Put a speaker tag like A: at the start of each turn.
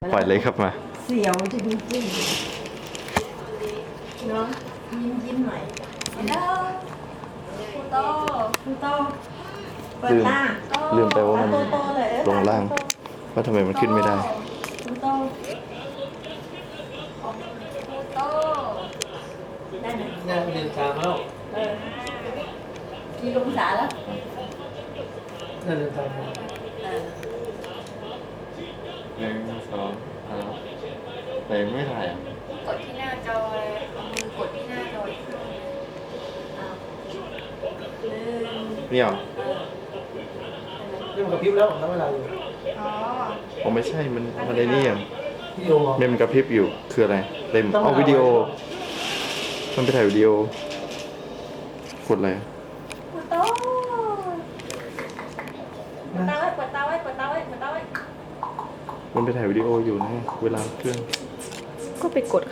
A: ปล่อยเลยครับมา
B: เสียวจริงๆเนาะยิ้มหน่อยฮัลโหลคูโตคูโตเปิดตา
A: ลืมไปว่ามัน
B: โตๆเลย
A: ลงล่างว่าทำไมมันขึ้นไม่ได้
B: คูโตคูโตได้ไหม
C: เนี่ยเรียนตามแล้ว
B: กี่องศาแล้ว
C: เนี่ยเรียนตามแล้ว
A: 1 2 3ไหนไม่ถ่ายอ่ะ
D: กดที่หน้าจอเลยเอามือกดที่หน้าจออีกครั้งหนึ่ง
A: เนี่ยเหรอ
C: นี่มันกระพริบแล้วทำเวลาอยู่
D: อ๋อ
A: อ๋อไม่ใช่มันในนี่อ่ะ
C: วิดีโอ
A: เมมกระพริบอยู่คืออะไรเต็มเอาวิดีโอ มันไปถ่ายวิดีโอ กดอะไรอ่ะ
B: คูโตเปิดตาไว้เปิดตาไว้เปิดตาไว้เปิดตาไว้
A: มันไปถ่ายวิดีโออยู่นะเวลาเครื่อง
D: ก็ไปกด